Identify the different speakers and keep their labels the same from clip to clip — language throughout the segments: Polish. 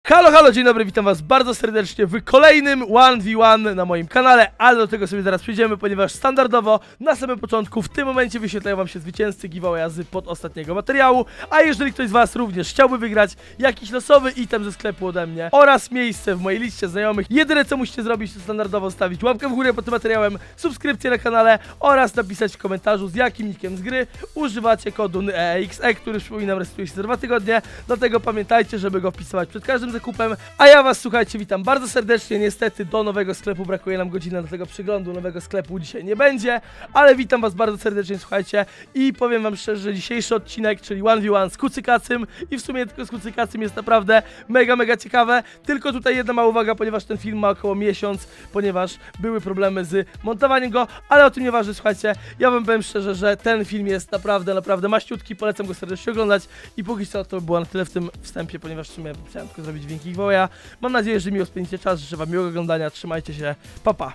Speaker 1: Halo, halo, dzień dobry, witam was bardzo serdecznie w kolejnym 1v1 na moim kanale, ale do tego sobie zaraz przejdziemy, ponieważ standardowo na samym początku w tym momencie wyświetlają wam się zwycięzcy giveawaya z pod ostatniego materiału, a jeżeli ktoś z was również chciałby wygrać jakiś losowy item ze sklepu ode mnie oraz miejsce w mojej liście znajomych, jedyne co musicie zrobić to standardowo stawić łapkę w górę pod tym materiałem, subskrypcję na kanale oraz napisać w komentarzu z jakim nickiem z gry używacie kodu EXE, który przypominam rejestruje się za 2 tygodnie, dlatego pamiętajcie, żeby go wpisywać przed każdym zakupem, a ja was, słuchajcie, witam bardzo serdecznie. Niestety do nowego sklepu brakuje nam godziny, do tego przeglądu nowego sklepu dzisiaj nie będzie, ale witam was bardzo serdecznie, słuchajcie, i powiem wam szczerze, że dzisiejszy odcinek, czyli 1v1 z Kucykacym i w sumie tylko z Kucykacym jest naprawdę mega ciekawe, tylko tutaj jedna mała uwaga, ponieważ ten film ma około miesiąc, ponieważ były problemy z montowaniem go, ale o tym nieważne, słuchajcie, ja wam powiem szczerze, że ten film jest naprawdę maściutki, polecam go serdecznie oglądać i póki co to było na tyle w tym wstępie, ponieważ w sumie chciałem tylko zrobić dźwięki giveawaya. Mam nadzieję, że miło spędzicie czas, życzę wam miłego oglądania, trzymajcie się, pa.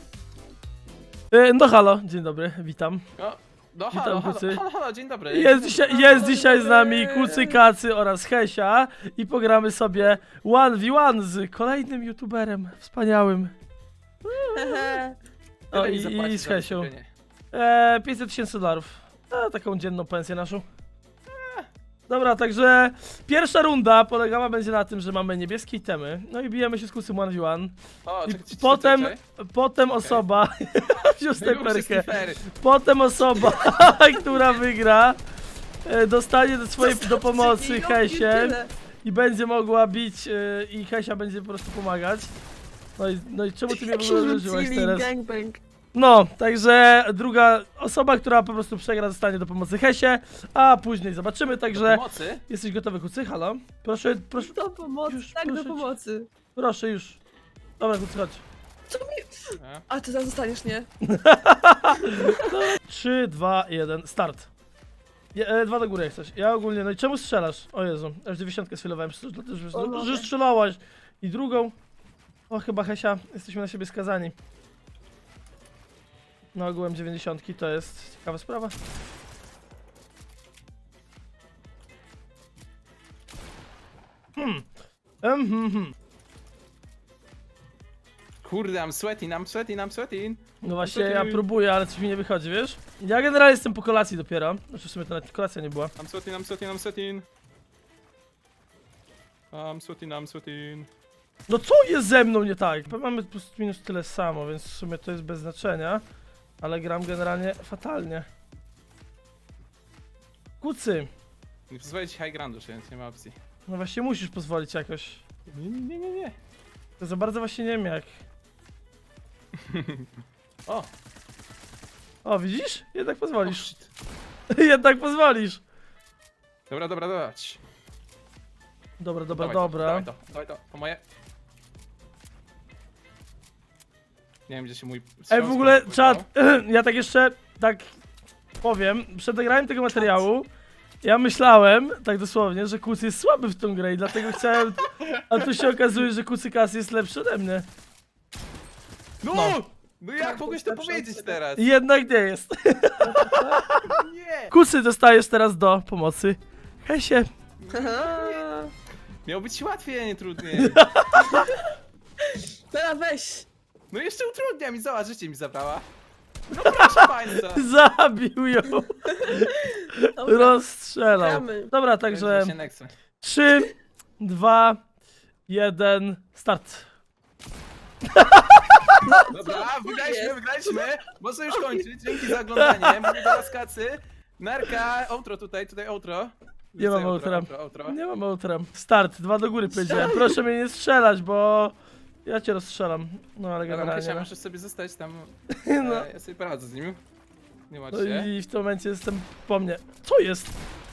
Speaker 1: No halo, dzień dobry, witam.
Speaker 2: No
Speaker 1: Witam, Kucy.
Speaker 2: halo, dzień dobry.
Speaker 1: Jest dzisiaj z nami Kucykacy oraz Hesia i pogramy sobie 1v1 z kolejnym youtuberem wspaniałym. O, i z Hesią. 500 000 dolarów. Taką dzienną pensję naszą. Dobra, także pierwsza runda polegała będzie na tym, że mamy niebieskie itemy, no i bijemy się z Kucym 1v1.
Speaker 2: O,
Speaker 1: I potem osoba, wziął snajperkę, potem osoba, która wygra, dostanie do pomocy Hesię i będzie mogła bić i Hesia będzie po prostu pomagać. No i czemu ty mnie w ogóle uderzyłaś teraz? No, także druga osoba, która po prostu przegra, dostanie do pomocy Hesie, a później zobaczymy, także...
Speaker 2: Pomocy?
Speaker 1: Jesteś gotowy, Kucy? Halo? Proszę.
Speaker 3: Do pomocy,
Speaker 1: już,
Speaker 3: tak,
Speaker 1: proszę
Speaker 3: do pomocy.
Speaker 1: Proszę już. Dobra, Kucy, chodź.
Speaker 3: Co mi... A ty zaraz zostaniesz, nie?
Speaker 1: 3, 2, 1, start. 2 do góry jak coś. Ja ogólnie, no i czemu strzelasz? O Jezu, aż 90 sfilowałem, że strzelałaś. I drugą. O, chyba Hesia, jesteśmy na siebie skazani. No ogółem 90 to jest ciekawa sprawa.
Speaker 2: Kurde, I'm sweating.
Speaker 1: No właśnie, ja próbuję, ale coś mi nie wychodzi, wiesz? Ja generalnie jestem po kolacji dopiero. Znaczy w sumie to nawet kolacja nie była.
Speaker 2: I'm sweating.
Speaker 1: No co jest ze mną nie tak? Mamy plus minus tyle samo, więc w sumie to jest bez znaczenia. Ale gram generalnie fatalnie. Kucy!
Speaker 2: Nie pozwolę ci high groundu, więc nie ma opcji.
Speaker 1: No właśnie musisz pozwolić jakoś.
Speaker 2: Nie.
Speaker 1: To za bardzo właśnie nie wiem jak. O, widzisz? Jednak pozwolisz. Jednak pozwolisz.
Speaker 2: Dobra.
Speaker 1: Dobra.
Speaker 2: Dawaj to, po moje. Nie wiem, gdzie się mój...
Speaker 1: Ej, w ogóle, czat, ja tak jeszcze, powiem, przed nagraniem tego materiału, ja myślałem, tak dosłownie, że Kucy jest słaby w tą grę i dlatego chciałem, a tu się okazuje, że Kucykas jest lepszy ode mnie.
Speaker 2: No jak mogłeś to powiedzieć teraz?
Speaker 1: I jednak nie jest.
Speaker 2: Nie!
Speaker 1: Kucy dostajesz teraz do pomocy Hesie.
Speaker 2: Miało być łatwiej, a nie trudniej.
Speaker 3: Teraz weź.
Speaker 2: No jeszcze utrudnia mi, zobacz, życie mi zabrała. No proszę państwa.
Speaker 1: Zabił ją.
Speaker 3: Dobra.
Speaker 1: Rozstrzelał.
Speaker 3: Gramy.
Speaker 1: Dobra, także
Speaker 2: Właśnie Nexo.
Speaker 1: 3, 2, 1, start.
Speaker 2: Dobra, wygraliśmy. Można już kończyć. Dzięki za oglądanie. Mamy do was kacy. Narka, outro tutaj outro.
Speaker 1: Nie mam outra.
Speaker 2: Outro.
Speaker 1: Nie mam outra. Start, 2 do góry powiedziałem. Proszę mnie nie strzelać, bo ja cię rozstrzelam. No ale
Speaker 2: Dobra,
Speaker 1: generalnie.
Speaker 2: Krysia, możesz sobie zostać tam.
Speaker 1: No.
Speaker 2: Ja sobie poradzę z nim. Nie martw
Speaker 1: No
Speaker 2: się.
Speaker 1: i w tym momencie jestem po mnie. Co jest?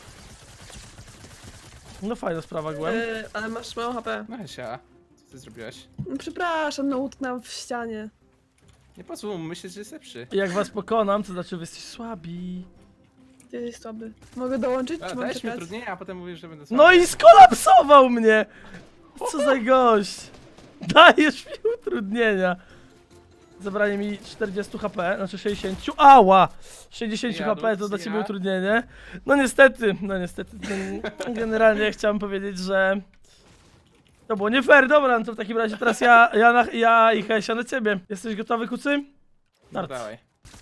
Speaker 1: No fajna sprawa, Gwen.
Speaker 3: Ale masz mało HP.
Speaker 2: No Hesia, co ty zrobiłaś?
Speaker 3: No, przepraszam, no utknęłam w ścianie.
Speaker 2: Nie pozwól mu myśleć, że jest lepszy.
Speaker 1: Jak was pokonam, to znaczy wy jesteście słabi.
Speaker 3: Ty jesteś słaby. Mogę dołączyć,
Speaker 2: A,
Speaker 3: czy mam
Speaker 2: dajesz mi
Speaker 3: czekać?
Speaker 2: utrudnienia, a potem mówisz, że będę sam.
Speaker 1: No i skolapsował mnie! Co za gość! Dajesz mi utrudnienia. Zabranie mi 40 HP, znaczy 60. Ała! 60
Speaker 2: Ja,
Speaker 1: HP to dla
Speaker 2: ja.
Speaker 1: ciebie utrudnienie. No niestety, generalnie chciałem powiedzieć, że To było nie fair, dobra, no to w takim razie teraz ja i Hesia na ciebie. Jesteś gotowy, kucy?
Speaker 2: No,
Speaker 1: Start.
Speaker 2: dawaj.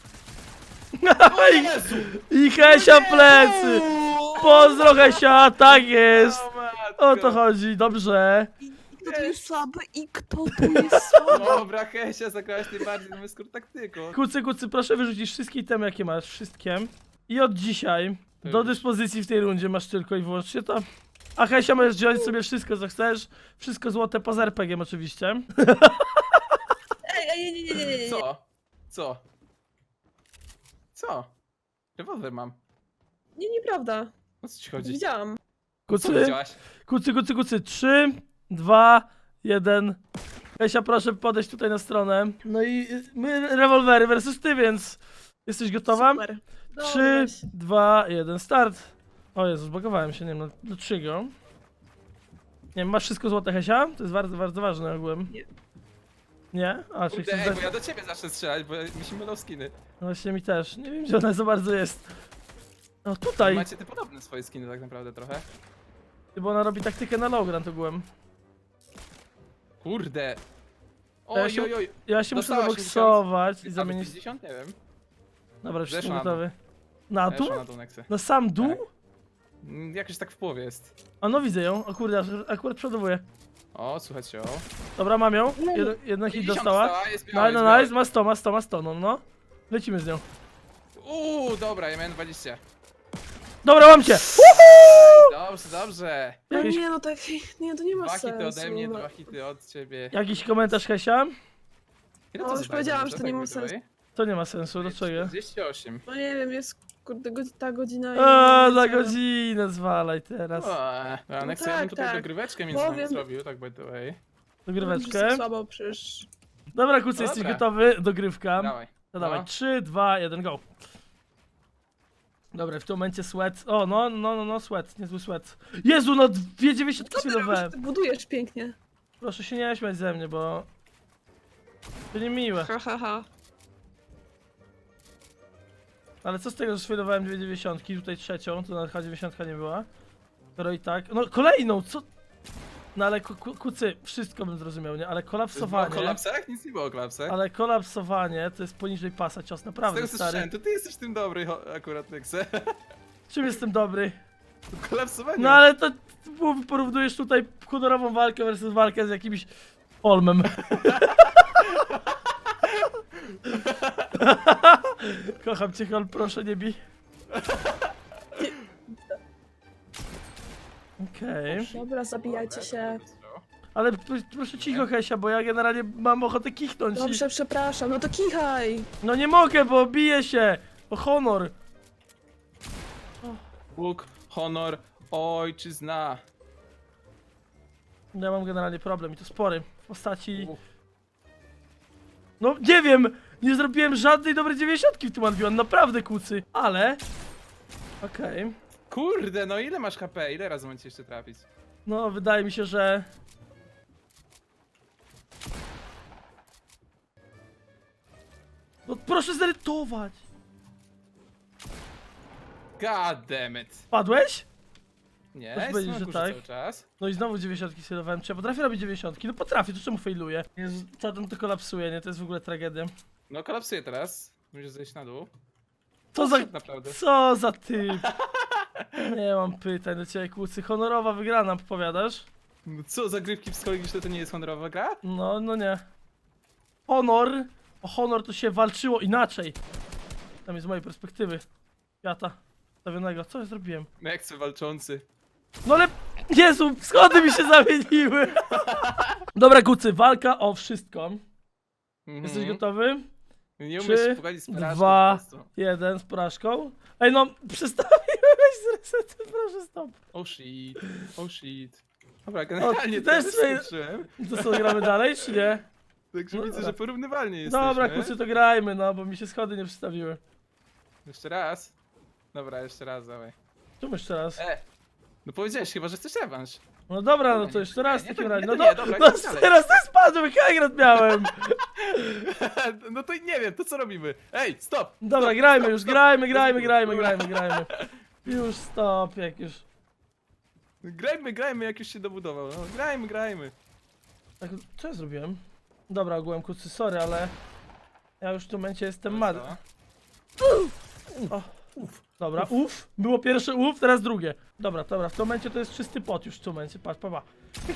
Speaker 1: I Hesia plecy! Pozdro Hesia, tak jest!
Speaker 2: matko.
Speaker 1: O to chodzi, dobrze.
Speaker 3: I kto tu jest słaby? I kto tu jest słaby?
Speaker 2: Dobra, Hesia, zagrałaś najbardziej na skór taktyką.
Speaker 1: Kucy, proszę wyrzucić wszystkie itemy, jakie masz, wszystkie. I od dzisiaj do dyspozycji w tej rundzie masz tylko i wyłącznie to. A Hesia, możesz wziąć sobie wszystko, co chcesz. Wszystko złote poza RPG-iem oczywiście.
Speaker 3: Ej, nie.
Speaker 2: Co? Co? Co? Rewolwer mam.
Speaker 3: Nie, nieprawda.
Speaker 2: O co ci chodzi?
Speaker 3: Widziałam.
Speaker 2: Co
Speaker 1: Kucy,
Speaker 2: widziałaś?
Speaker 1: kucy. 3, 2, 1. Hesia, proszę podejść tutaj na stronę. No i my rewolwery versus ty, więc jesteś gotowa?
Speaker 3: Super. Dobra,
Speaker 1: 3,
Speaker 3: weź.
Speaker 1: 2, 1, start. O Jezu, zbagowałem się, nie wiem, dlaczego. Nie wiem, masz wszystko złote, Hesia? To jest bardzo, bardzo ważne ogółem.
Speaker 3: Nie.
Speaker 1: Nie? A, czyli
Speaker 2: Kurde,
Speaker 1: chcesz
Speaker 2: ej,
Speaker 1: dać...
Speaker 2: bo ja do ciebie zacznę strzelać, bo mi się mylą skiny.
Speaker 1: No właśnie mi też. Nie wiem, gdzie ona za bardzo jest. No tutaj,
Speaker 2: Macie te podobne swoje skiny tak naprawdę trochę.
Speaker 1: bo ona robi taktykę na low ground ogółem.
Speaker 2: Kurde.
Speaker 1: Ja się-
Speaker 2: Oj, oj, oj.
Speaker 1: Ja się muszę
Speaker 2: Dostałaś
Speaker 1: zaboksować i
Speaker 2: A,
Speaker 1: zamienić...
Speaker 2: 50? Nie wiem.
Speaker 1: Dobra, już jestem
Speaker 2: Zeszła na dół.
Speaker 1: gotowy. Na dół?
Speaker 2: Weszła na dół Nexy.
Speaker 1: Na sam dół?
Speaker 2: Tak. Jakoś tak w połowie jest.
Speaker 1: A no widzę ją, o kurde, akurat przodowuję.
Speaker 2: O, słuchajcie, o.
Speaker 1: Dobra, mam ją. Jeden hit
Speaker 2: 50
Speaker 1: dostała.
Speaker 2: jest biała,
Speaker 1: No,
Speaker 2: jest
Speaker 1: no,
Speaker 2: biała.
Speaker 1: ma 100, no. Lecimy z nią.
Speaker 2: Dobra, ja miałem 20.
Speaker 1: Dobra, mam cię!
Speaker 2: Dobrze.
Speaker 3: No
Speaker 1: Jakieś-
Speaker 3: nie, no tak, nie, to nie ma
Speaker 2: 2
Speaker 3: sensu.
Speaker 2: hity ode mnie, 2 hity od ciebie.
Speaker 1: Jakiś komentarz, Hesia?
Speaker 2: Ile
Speaker 3: No, już
Speaker 2: zadaje
Speaker 3: powiedziałam,
Speaker 2: dobrze,
Speaker 3: że to nie
Speaker 2: tak
Speaker 3: ma
Speaker 2: by the way?
Speaker 3: sensu.
Speaker 1: To nie ma sensu, dlaczego?
Speaker 2: 48.
Speaker 3: No nie wiem, jest kurde ta godzina i...
Speaker 1: A,
Speaker 3: nie
Speaker 1: za
Speaker 3: wiem, co.
Speaker 1: godzinę zwalaj teraz.
Speaker 2: A Next, ja bym
Speaker 3: tak,
Speaker 2: tutaj
Speaker 3: tak.
Speaker 2: dogryweczkę między nami
Speaker 3: Powiem-
Speaker 2: zrobił, tak by the way.
Speaker 1: Dogryweczkę.
Speaker 3: Wszyscy słabo przecież.
Speaker 1: Dobra, Kucy,
Speaker 2: No
Speaker 1: jesteś
Speaker 2: dobra.
Speaker 1: gotowy? Dogrywka.
Speaker 2: Dawaj.
Speaker 1: No dawaj,
Speaker 2: No.
Speaker 1: 3, 2, 1, go. Dobra, w tym momencie sweat. O, no, sweat, niezły sweat. Jezu, no 2,90
Speaker 3: Co ty
Speaker 1: chwilowałem.
Speaker 3: robisz? Ty budujesz pięknie.
Speaker 1: Proszę się nie śmiać ze mnie, bo... To niemiłe.
Speaker 3: Ha.
Speaker 1: Ale co z tego, że sfilowałem 2,90, tutaj trzecią, to nawet H90 nie była. Skoro i tak... No kolejną, co? No ale kucy, wszystko bym zrozumiał, nie? Ale
Speaker 2: Było o
Speaker 1: kolapsowanie...
Speaker 2: kolapsach? Nic nie było o kolapsach.
Speaker 1: Ale kolapsowanie to jest poniżej pasa cios,
Speaker 2: Z
Speaker 1: naprawdę
Speaker 2: tego co
Speaker 1: stary.
Speaker 2: słyszałem, to ty jesteś tym dobry akurat, Nexe.
Speaker 1: Czym jestem dobry?
Speaker 2: Kolapsowanie.
Speaker 1: No ale to porównujesz tutaj honorową walkę versus walkę z jakimś Olmem. Kocham cię, Hol, proszę nie bij. Okej.
Speaker 3: Dobra, zabijajcie się.
Speaker 1: Ale proszę cicho, Hesia, bo ja generalnie mam ochotę kichnąć.
Speaker 3: Dobrze, przepraszam, no to kichaj.
Speaker 1: No nie mogę, bo biję się. O honor.
Speaker 2: Bóg, honor, ojczyzna.
Speaker 1: Ja mam generalnie problem i to spory. W postaci... No nie wiem, nie zrobiłem żadnej dobrej 90 w tym Anvion, naprawdę kucy. Ale... Okej.
Speaker 2: Kurde, no ile masz HP? Ile razy mam cię jeszcze trafić?
Speaker 1: No wydaje mi się, że... No proszę zerytować.
Speaker 2: God damn it.
Speaker 1: Padłeś?
Speaker 2: Nie,
Speaker 1: Proszę
Speaker 2: jestem
Speaker 1: powiedzieć,
Speaker 2: na
Speaker 1: że
Speaker 2: górze
Speaker 1: tak.
Speaker 2: cały czas.
Speaker 1: No i znowu 90 sylowałem. Czy ja potrafię robić 90? No potrafię, to czemu failuję? Jezu, czasem to kolapsuje, nie? To jest w ogóle tragedia.
Speaker 2: No kolapsuję teraz. Musisz zejść na dół.
Speaker 1: Co za...
Speaker 2: Naprawdę.
Speaker 1: Co za typ? Nie mam pytań do ciebie, kucy. Honorowa wygrana, powiadasz?
Speaker 2: No co, zagrywki psychologiczne to nie jest honorowa gra?
Speaker 1: No nie. Honor. O honor to się walczyło inaczej. Tam jest z mojej perspektywy. Świata. Stawionego. Co ja zrobiłem?
Speaker 2: Nexe walczący.
Speaker 1: No ale... Jezu, schody mi się zamieniły. Dobra, kucy, walka o wszystko. Jesteś gotowy?
Speaker 2: Nie
Speaker 1: 3,
Speaker 2: umiesz się pogodzić z porażką
Speaker 1: 2,
Speaker 2: po prostu.
Speaker 1: 1 z porażką. Ej no, przestawiłeś z resetem, proszę stop.
Speaker 2: Oh shit, oh shit. Dobra, generalnie
Speaker 1: ty
Speaker 2: to
Speaker 1: też
Speaker 2: też
Speaker 1: swoje-
Speaker 2: skończyłem.
Speaker 1: To co, gramy dalej, czy nie?
Speaker 2: Także
Speaker 1: No
Speaker 2: widzę,
Speaker 1: dobra.
Speaker 2: że porównywalnie jesteśmy.
Speaker 1: Dobra, kucy, to grajmy, no, bo mi się schody nie przystawiły.
Speaker 2: Jeszcze raz. Dobra, jeszcze raz, dawaj.
Speaker 1: Tu jeszcze raz.
Speaker 2: No powiedziałeś chyba, że chcesz rewanż.
Speaker 1: No dobra, no
Speaker 2: Nie,
Speaker 1: to
Speaker 2: nie,
Speaker 1: jeszcze raz w
Speaker 2: nie,
Speaker 1: takim
Speaker 2: to-
Speaker 1: razie.
Speaker 2: nie,
Speaker 1: No,
Speaker 2: to nie, dobra,
Speaker 1: no
Speaker 2: idź dalej.
Speaker 1: teraz to spadłem, Hagrid miałem.
Speaker 2: No to nie wiem, to co robimy? Ej, stop!
Speaker 1: Dobra,
Speaker 2: stop,
Speaker 1: grajmy
Speaker 2: stop,
Speaker 1: już,
Speaker 2: stop.
Speaker 1: grajmy.
Speaker 2: Dobra.
Speaker 1: Już stop, jak już.
Speaker 2: Grajmy, jak już się dobudował. No, grajmy.
Speaker 1: Tak, co ja zrobiłem? Dobra, ogółem kucy, sorry, ale ja już w tym momencie jestem mad. O, dobra, było pierwsze teraz drugie. Dobra, w tym momencie to jest czysty pot już w tym momencie, patrz, pa. Pyk.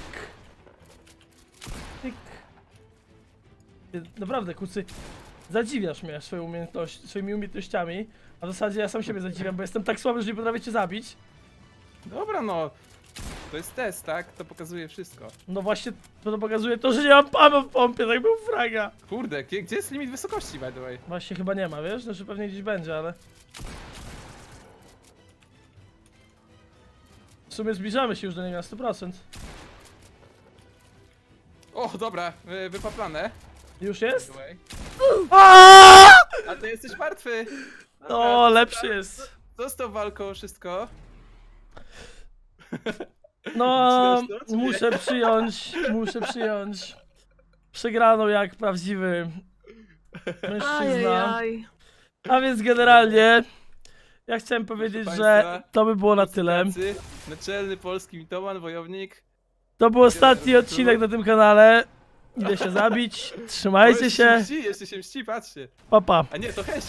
Speaker 1: Pyk. Ty, naprawdę, kucy, zadziwiasz mnie swoimi umiejętnościami, a w zasadzie ja sam siebie zadziwiam, bo jestem tak słaby, że nie potrafię cię zabić.
Speaker 2: Dobra, no. To jest test, tak? To pokazuje wszystko.
Speaker 1: No właśnie, to pokazuje to, że nie mam pama w pompie, tak był fraga.
Speaker 2: Kurde, gdzie jest limit wysokości, by the way?
Speaker 1: Właśnie chyba nie ma, wiesz? Znaczy pewnie gdzieś będzie, ale... W sumie zbliżamy się już do niego na 100%.
Speaker 2: O, dobra, wypaplane.
Speaker 1: Już
Speaker 2: By
Speaker 1: jest?
Speaker 2: the way.
Speaker 1: Aaaa!
Speaker 2: A ty jesteś martwy!
Speaker 1: No, lepszy jest.
Speaker 2: Co z tą walką, wszystko?
Speaker 1: No,
Speaker 2: Zaczynasz to, czy
Speaker 1: muszę przyjąć. Przegraną jak prawdziwy mężczyzna.
Speaker 3: Ajajaj.
Speaker 1: A więc generalnie, ja chciałem powiedzieć,
Speaker 2: Proszę
Speaker 1: że
Speaker 2: państwa,
Speaker 1: to by było na tyle.
Speaker 2: Tacy, naczelny polski mitoman, wojownik.
Speaker 1: To był ostatni odcinek na tym kanale. Idę się zabić. Trzymajcie się.
Speaker 2: Jeszcze się mści, patrzcie.
Speaker 1: Pa, pa.
Speaker 2: A nie, to chęć